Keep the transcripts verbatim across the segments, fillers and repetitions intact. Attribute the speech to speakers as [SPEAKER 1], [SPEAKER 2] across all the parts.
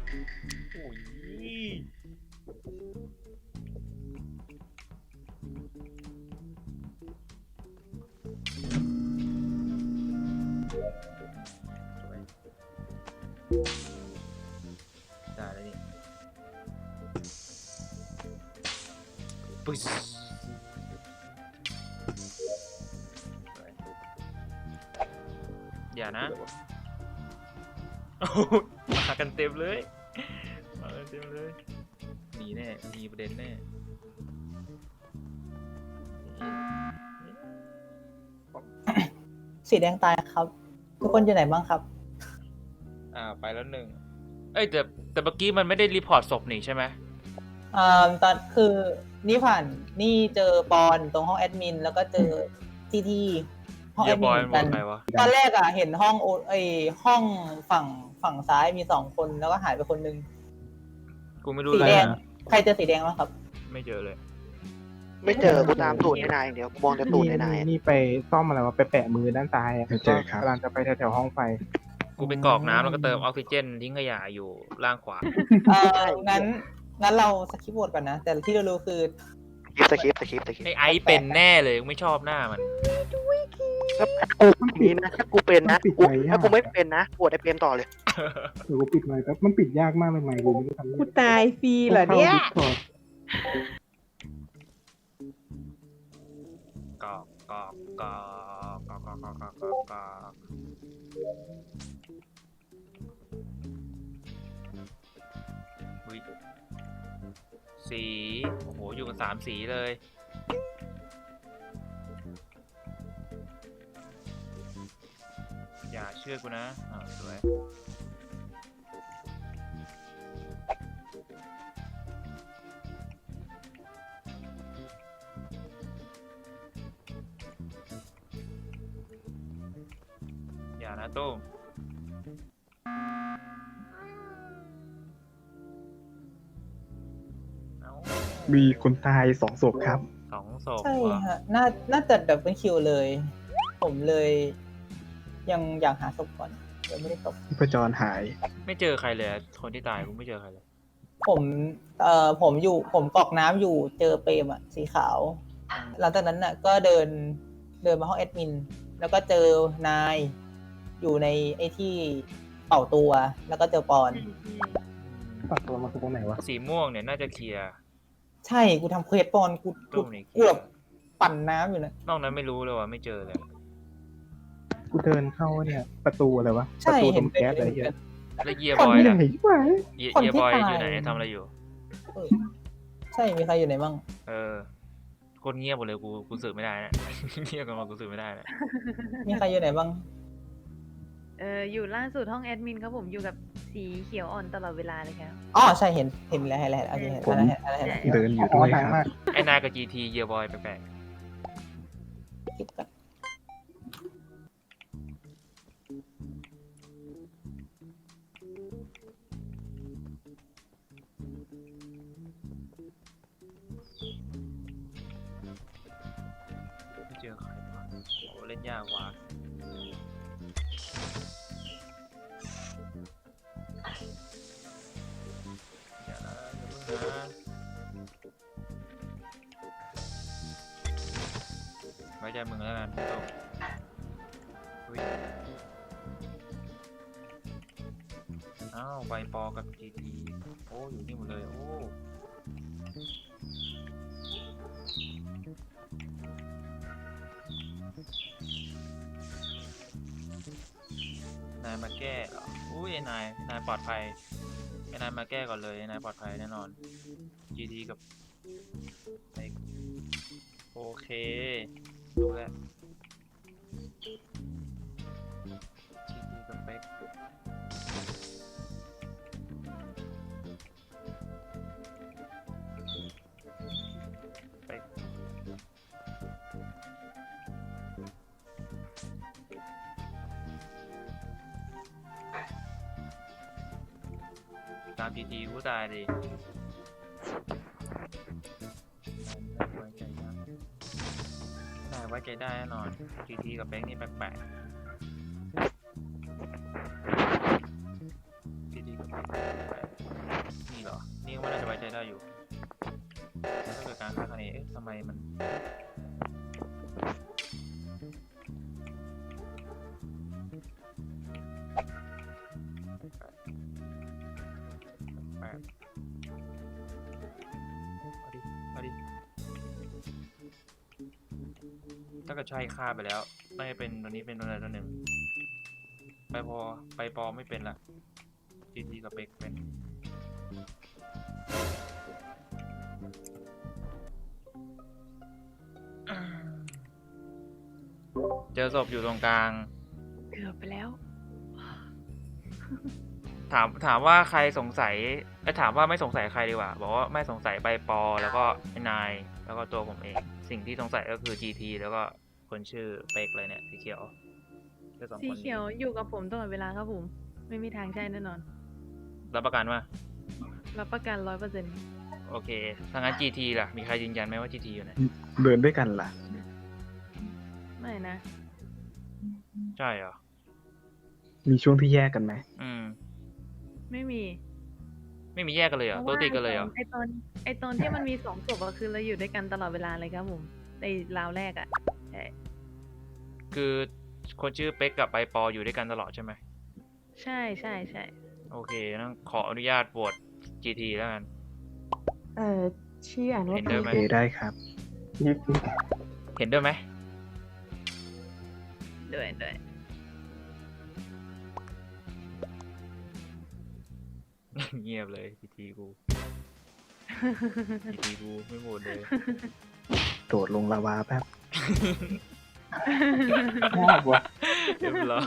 [SPEAKER 1] โอ้ยได้แล้วนี่ปุ๊บอย่านะโอ้ยมากันเต็มเลยมากันเต็มเลยหนีแน่มีประเด็นแน่
[SPEAKER 2] สีแดงตายครับ ทุกคนอยู่ไหนบ้างครับ
[SPEAKER 1] อ่าไปแล้วหนึ่งเอ้ยแต่แต่เมื่อกี้มันไม่ได้รีพอร์ตศพนี่ใช่ไหม
[SPEAKER 2] อ่าตอนคือนี่ผ่านนี่เจอปอนตรงห้องแอดมินแล้วก็เจอที่ที่ห้อง
[SPEAKER 1] เฮี
[SPEAKER 2] แอย ด
[SPEAKER 1] บ
[SPEAKER 2] มิน
[SPEAKER 1] อย
[SPEAKER 2] เหมือน
[SPEAKER 1] บ
[SPEAKER 2] กั
[SPEAKER 1] อก
[SPEAKER 2] น
[SPEAKER 1] ใครวะ
[SPEAKER 2] ตอนแรกอ่ะเห็นห้องโอไอห้องฝั่งฝั่งซ้ายมีสองคนแล้วก็หายไปคนนึง
[SPEAKER 1] กูไม่รู้
[SPEAKER 2] สี
[SPEAKER 1] เลย
[SPEAKER 2] แดง
[SPEAKER 1] อะ
[SPEAKER 2] ใครเจอสีแดงบ้างครับ
[SPEAKER 1] ไม่เจอเลย
[SPEAKER 3] ไม่เจอกูตามตูดในนายอย่างเดียวกูมองแต่ตูดในนายอะ
[SPEAKER 4] นี่ไปซ่อมอะไรวะไปแปะมือด้านซ้ายอ่ะ
[SPEAKER 5] ไม่เจอครับ
[SPEAKER 4] กำลังจะไปแถวๆห้องไฟ
[SPEAKER 1] กูไปกรอกน้ำแล้วก็เติมออกซิเจนทิ้งขยะอยู่ล่างขวา
[SPEAKER 2] เอองั้นงั้นเราสคิปโหวตก่อนนะ แต่ที่เรารู้คือ
[SPEAKER 3] สคริปต์สคริปต์สคริปต์สคริป
[SPEAKER 1] ไอ
[SPEAKER 3] ต์
[SPEAKER 1] ไอซ์เป็นแน่เลยไม่ชอบหน้ามัน
[SPEAKER 3] ถ้ากูนี้นะถ้ากูเป็นนะกูถ้ากูไม่เป็นนะปวดไอเปรมต่อเลย
[SPEAKER 4] หรือกูปิดไมค์แป๊บมันปิดยากมากเลยไมค์กูไม่รู้ทำยัง
[SPEAKER 6] กู
[SPEAKER 4] ไง
[SPEAKER 6] ตายฟรีเหรอเนี่ย
[SPEAKER 4] ข้า Discord
[SPEAKER 1] กรอกกรอกกรอกกรอกกรอกกรอกกรอกกรอกกรอกอุ๊ยสีโอ้โหอยู่กันสามสีเลยอย่าเชื่อกูนะอ่าสวยอย่านะตุ้มเอ้า
[SPEAKER 4] มีคนตายสองศพครับ
[SPEAKER 1] สองศพ
[SPEAKER 2] ใช่
[SPEAKER 1] ว่ะ
[SPEAKER 2] ฮะน่าน่าจะดับเบิลคิวเลย ผมเลย ยังอยากหาศพก่อนยังไม่ได้ศพ
[SPEAKER 4] ที่ประจรหาย
[SPEAKER 1] ไม่เจอใครเลยอะคนที่ตายกูไม่เจอใครเลย
[SPEAKER 2] ผมเอ่อผมอยู่ผมกรอกน้ำอยู่เจอเปรมอะสีขาว หลังจากนั้นน่ะก็เดินเดินมาห้องแอดมิน แล้วก็เจอนายอยู่ในไอ้ที่เป่าตัว แล้วก็เจอปอน
[SPEAKER 4] ปัดตัวมาคือตรงไหนวะ
[SPEAKER 1] สีม่วงเนี่ยน่าจะเคลียร์
[SPEAKER 2] ใช่กูทำเควสปอนกู
[SPEAKER 1] ตร
[SPEAKER 2] กู
[SPEAKER 1] งนี้เค
[SPEAKER 2] กู
[SPEAKER 1] ลีย
[SPEAKER 2] แบ
[SPEAKER 1] ร์
[SPEAKER 2] บปั่นน้ำอยู่นะ
[SPEAKER 1] นอกนั้นไม่รู้เลยว่ะไม่เจอเลย
[SPEAKER 4] กูเดินเข้าเนี่ย ประตูอะไรวะ ป
[SPEAKER 2] ใช่
[SPEAKER 4] ระตูต
[SPEAKER 2] เห็
[SPEAKER 4] ร
[SPEAKER 2] น
[SPEAKER 4] งแก๊สอะไรเงี้ย
[SPEAKER 1] แล้วเยีย
[SPEAKER 2] ค
[SPEAKER 1] บ
[SPEAKER 2] น
[SPEAKER 1] อย
[SPEAKER 2] ที่
[SPEAKER 1] ล่ะ
[SPEAKER 4] ไหนวะ
[SPEAKER 1] เยีย
[SPEAKER 2] คน
[SPEAKER 1] เยีย
[SPEAKER 2] ที่
[SPEAKER 1] บอย
[SPEAKER 2] ตาย
[SPEAKER 1] อยู่ไหนทำอะไรอยู่
[SPEAKER 2] เออใช่มีใครอยู่ไหนบ้าง
[SPEAKER 1] เออคนเงียบหมดเลยกูกูสืบไม่ได้นะ เงียบกันมากูสืบไม่ได้นะ
[SPEAKER 2] มีใครอยู่ไหนบ้าง
[SPEAKER 6] เอออยู่ล่าสุดห้องแอดมินครับผมอยู่กับสีเขียวอ่อนตลอดเวลาเลยครับ
[SPEAKER 2] อ๋อใช่เห็นเห็นแล้วเห็นแล้วเห็นแล้วโอเคเห็นแล้วเห็นแล้วเห็นแล้วเห็นแล้ว
[SPEAKER 4] เดินอยู่ด้วยครับ
[SPEAKER 1] ไอ้นายกับจีทีเยียบอยแปลก
[SPEAKER 2] คิดก่อน
[SPEAKER 1] ๆไม่เจอใครวะโอ้เล่นยากว่ะอย่านะอย่าเพิ่งนะไว้ใจมึงแล้วกันโต้อุ๊ยอ้าวใบปอกับจีทีโอ้อยู่นี่หมดเลยโอ้นายมาแก้เหรออุ้ยไอ้นายนายปลอดภัยไอ้นายมาแก้ก่อนเลยไอ้นายปลอดภัยแน่นอน จีทีกับไอ้โอเครู้แล้ว จีทีกับเป๊กเป๊กตามจีทีกูตายดินายไว้ใจได้นายไว้ใจได้แน่นอนจีทีกับเป๊กนี่แปลกๆจีทีกับเป๊กแปลกๆนี่ก็น่าจะไว้ใจได้อยู่แต่ถ้าเกิดการฆ่าครั้งนี้เอ๊ะทำไมมันแปดเอาดิเอาดิถ้าเกิดใช่ฆ่าไปแล้วน่าจะเป็นตัวนี้เป็นตัวใดตัวหนึ่งไปพอไปปอไม่เป็นละจีทีกับเบกเป็นเจอศพอยู่ตรงกลาง
[SPEAKER 6] เกือบไปแล้ว
[SPEAKER 1] ถามถามว่าใครสงสัยไอ้ยถามว่าไม่สงสัยใครดีกว่าบอกว่าไม่สงสัยใบปอแล้วก็ไอ้นายแล้วก็ตัวผมเอง สิ่งที่สงสัยก็คือ จี ที แล้วก็คนชื่อเป๊กเลยเนี่ยสีเขียวแค่สอง
[SPEAKER 6] สี
[SPEAKER 1] คน
[SPEAKER 6] เขียวอยู่กับผมตลอดเวลาครับผม ไม่มีทางใช่แน่นอน
[SPEAKER 1] รับประกันว่า
[SPEAKER 6] รับประกันร้อยเปอร์เซ็นต์
[SPEAKER 1] โอเคถ้างั้น จี ที ล่ะมีใครยืนยันไหมว่า จี ที อยู่ไหน
[SPEAKER 4] เดินด้วยกันล่ะ
[SPEAKER 6] ไม่นะ
[SPEAKER 1] ใช่เหรอ
[SPEAKER 4] มีช่วงที่แยกกันไหม
[SPEAKER 1] อืม
[SPEAKER 6] ไม่มี
[SPEAKER 1] ไม่มีแยกกันเลยเหรอตัวติดกันเลยเหรอ
[SPEAKER 6] ไอตอนไอตอนที่มันมีสองศพอะคือเราอยู่ด้วยกันตลอดเวลาเลยครับผมในราวแรกอะใช่
[SPEAKER 1] คือคนชื่อเป๊กกับใบปออยู่ด้วยกันตลอดใช่ไหม
[SPEAKER 6] ใช่ใช่ใช่
[SPEAKER 1] โอเคงั้นขออนุญาตโหวต จี ที แล้วกัน
[SPEAKER 5] เอ่อชื่ออ่านว่า
[SPEAKER 1] เห็นด้วยไหม
[SPEAKER 4] โอเคได้ครับนี่
[SPEAKER 1] เห็นด้วยไหม
[SPEAKER 6] ด้วยด้วย
[SPEAKER 1] เงียบเลย จี ที กู จี ที กูไม่โหวตเลย
[SPEAKER 4] โดดลงลาวาแป๊บชอบว่ะ
[SPEAKER 1] เรียบร้อย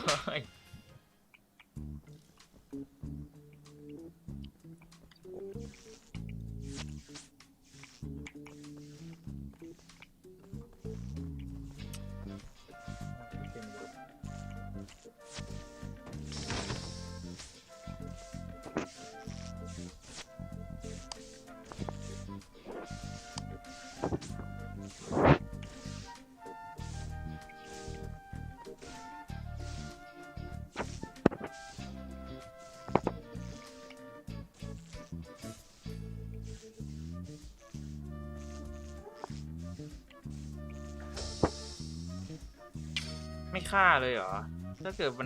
[SPEAKER 1] ไม่ฆ่าเลยเหรอ ถ้าเกิดมัน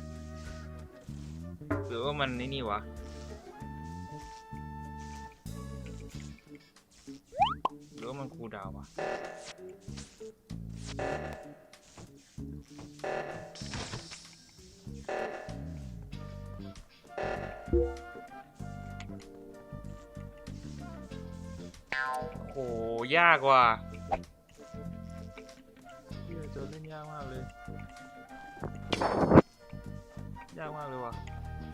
[SPEAKER 1] หรือว่ามันนี่นี่วะ หรือว่ามันคูลดาวน์วะ โอ้โห ยากว่ะเหี้ยโจทย์เล่นยากมากเลย ยากมากเลยว่ะ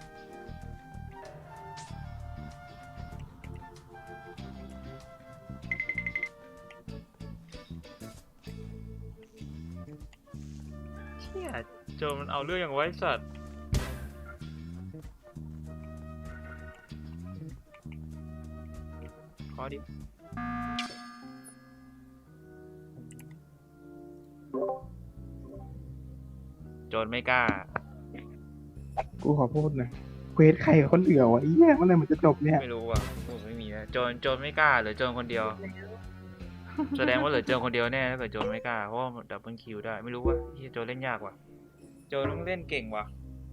[SPEAKER 1] เชี่ยโจรมันเอาเรื่องอย่างไว้สัตว์ ขอดิ โจรไม่กล้า
[SPEAKER 4] กูขอพูดหนะเควสใครกับคนเอื่อวะไอ้เหี้ยเมื่อไหรมันจะจบเนี่ย
[SPEAKER 1] ไม่รู้อ่ะผมไม่มีนะโจรโจรไม่กล้าหรือโจรคนเดียว แสดงว่าเหลือโจรคนเดียวแน่ถ้าเกิดโจรไม่กล้าเพราะว่าดับเบิลคิวได้ไม่รู้ว่าเฮียโจรเล่นยากว่ะโจรต้องเล่นเก่งว่ะ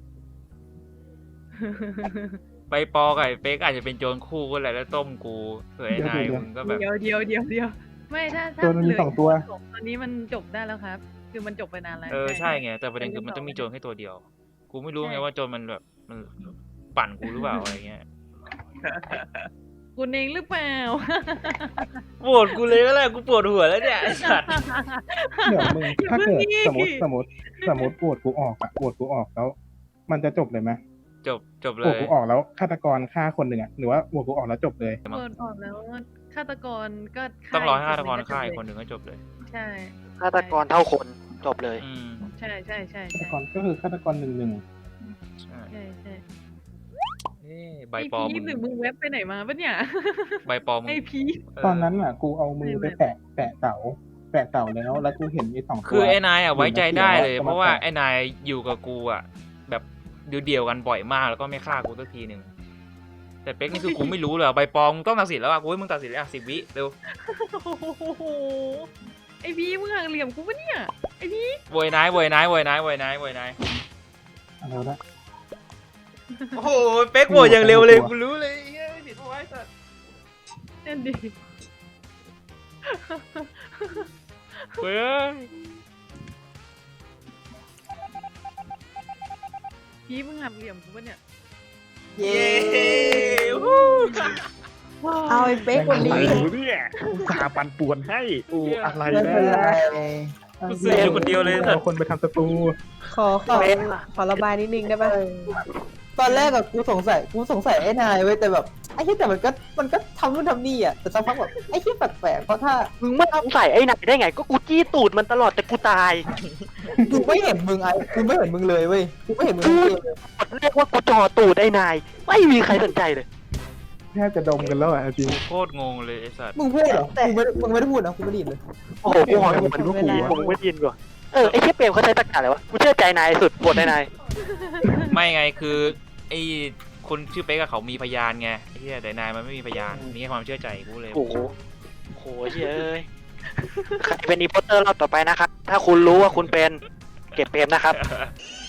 [SPEAKER 1] ไปปอกับไอ้เป๊กอาจจะเป็นโจรคู่ก็แหละแล้วต้มกูเผื่อไอ้นายมึงก็แบบ
[SPEAKER 6] เดียวเดียวเดียวเดียวไม่ถ้าถ้า
[SPEAKER 4] ตัวมันมี
[SPEAKER 6] เหลื
[SPEAKER 4] สองตัว
[SPEAKER 6] ตอนนี้มันจบได้แล้วครับ คือมันจบไปนานแล้ว
[SPEAKER 1] เออใช่ไงแต่ประเด็นคือมันต้องมีโจรแค่ตัวเดียว กูไม่รู้ไงว่าโจรมันแบบมันปั่นกูหรือเปล่าอะไรเงี้ย
[SPEAKER 6] คุณเองหรือเปล่า
[SPEAKER 1] ปวดกูเลยก็แหละกูปวดหัวแล้วเนี่ยไอ้สัตว์
[SPEAKER 4] เดี๋ยวมึงถ้าเกิด
[SPEAKER 6] อย่า
[SPEAKER 4] ส
[SPEAKER 6] เพิ่
[SPEAKER 4] ม
[SPEAKER 6] ง
[SPEAKER 4] ม
[SPEAKER 6] ดิ
[SPEAKER 4] ติสมมติสมมติปวดกูออกอะปวดกูออกแล้ว มันจะจบเลยไหม
[SPEAKER 1] จบจบเล
[SPEAKER 4] ปวด
[SPEAKER 1] ย
[SPEAKER 4] กูออกแล้วฆาตกรฆ่าคนหนึ่งอะหรือว่าปวดกูออกแล้วจบเลย
[SPEAKER 6] เปิดออกแล้วฆาตกรก็
[SPEAKER 1] ต้องรอให้ฆาตกร
[SPEAKER 6] อี
[SPEAKER 1] ฆ่า
[SPEAKER 6] ค
[SPEAKER 1] อี
[SPEAKER 6] น
[SPEAKER 1] ก
[SPEAKER 6] ห
[SPEAKER 1] คน
[SPEAKER 6] นึ่ง
[SPEAKER 1] หนึ่งก็จบเลย
[SPEAKER 6] ใช่
[SPEAKER 3] ฆาตกรเท่าคนจบเลย
[SPEAKER 1] อืม
[SPEAKER 6] ใช่ใช่ใช่
[SPEAKER 4] ฆาต
[SPEAKER 6] ใช่
[SPEAKER 4] กรก็คือฆาตกรหนึ่งหนึ่ง
[SPEAKER 1] ใช่
[SPEAKER 6] ใช่ใช่
[SPEAKER 1] เอ้ใบ
[SPEAKER 6] ไอ
[SPEAKER 1] ปอ
[SPEAKER 6] พี
[SPEAKER 1] มึง
[SPEAKER 6] หรือมึงเว็บไปไหนมาปะเนี่ย
[SPEAKER 1] ใบปอมึง
[SPEAKER 6] ไอพี
[SPEAKER 4] ตอนนั้นอะกูเอามือไป
[SPEAKER 6] ไม่
[SPEAKER 4] แตะแตะเสาแตะเสาแล้วแล้วกูเห็นไอ้สองตัว
[SPEAKER 1] คือไอ้นายอ่ะไว้ใจได้เลย
[SPEAKER 4] อยู่ใน
[SPEAKER 1] เพราะว่า
[SPEAKER 4] เขียว
[SPEAKER 1] ไอ้นายอยู่กับกูอ่ะแบบเดียวๆกันบ่อยมากแล้วก็ไม่ฆ่ากูสักทีหนึ่งแต่เป๊กนี่คือกูไม่รู้เลยอะใบปลอมมึงต้องตัดสินแล้วอ่ะกูให้มึงตัดสินเลยอ่ะสิบวิเร็ว
[SPEAKER 6] โอ้โหไอพี่มึงห่างเหลี่ยมกูปะเนี่ยไอพี่
[SPEAKER 1] โวยนายโวยนายโวยนายโวยนายโวยนาย
[SPEAKER 4] เอาละ
[SPEAKER 1] โอ้โหเป๊กโวยอย่างเร็วเลยกูรู้เลยเฮ้ยผิดเอาไว้สัตว์
[SPEAKER 6] นั่นดิ
[SPEAKER 1] เฮ้ย
[SPEAKER 6] พี่มึงห่างเหลี่ยมกูปะเนี่ย
[SPEAKER 2] เย้
[SPEAKER 1] วู้
[SPEAKER 5] เอาไอ้เป๊กคนนี้
[SPEAKER 4] อะไรวะเนี่ยอุตส่าห์ปั่นป่วนให้อูอะไร
[SPEAKER 2] ไม่
[SPEAKER 4] นะ
[SPEAKER 2] เป็นไร
[SPEAKER 1] กูซื้ออยู่คนเดียวเลยสัต
[SPEAKER 4] เอา
[SPEAKER 1] ว์
[SPEAKER 4] คนไปทำศัตรู
[SPEAKER 5] ขอขอขอระบายนิดนึงได้ปะ
[SPEAKER 2] ตอนแรกอะกูสงสัยกูสงสัยไอ้นายเว้ยแต่แบบไอ้ที่แต่มันก็มันก็ทำนู่นทำนี่อะแต่สักพักแบบไอ้ที่แปลกๆเพราะถ้า
[SPEAKER 3] มึงไม่สงสัยไอ้นายได้ไง ก็กูจี้ตูดมันตลอดแต่กูตาย
[SPEAKER 2] กูไม่เห็นมึงไอ้กูไม่เห็นมึงเลยเว้ยกูไม่เห็นมึงทั้งเกมเลย
[SPEAKER 3] กดเรียกว่ากูจ่อตูดไอ้นาย ไม่มีใครสนใจเลย
[SPEAKER 4] แทบจะดมกันแล้วอ่ะจริง
[SPEAKER 1] กูโคตรงงเลยไอ้สัตว์
[SPEAKER 2] มึงพูดเหรอมึงไม่ได้มึงไม่ได้พูดนะกูไม่ได้ยินเลย
[SPEAKER 3] โอ้โหกูหอยมัน
[SPEAKER 4] กูก็ขู่
[SPEAKER 3] ผมไม่ได้ยินก่อนเออไอ้เชี่ยเปรมเขาใช้ตะกร้าอะไรวะ กูเชื่อใจนายสุดปวดไอ้นาย
[SPEAKER 1] ไม่ไงคือไอ้คนชื่อเป๊กกับเขามีพยานไงไอ้เหี้ยแต่นายมันไม่มีพยานมีแค่ความเชื่อใจกูเลย
[SPEAKER 3] โอ้โหโหเชี่ยเอ้ยใครเป็นอีโพสเตอร์รอบต่อไปนะครับ ถ้าคุณรู้ว่าคุณเป็นเก็บเปรมนะครับ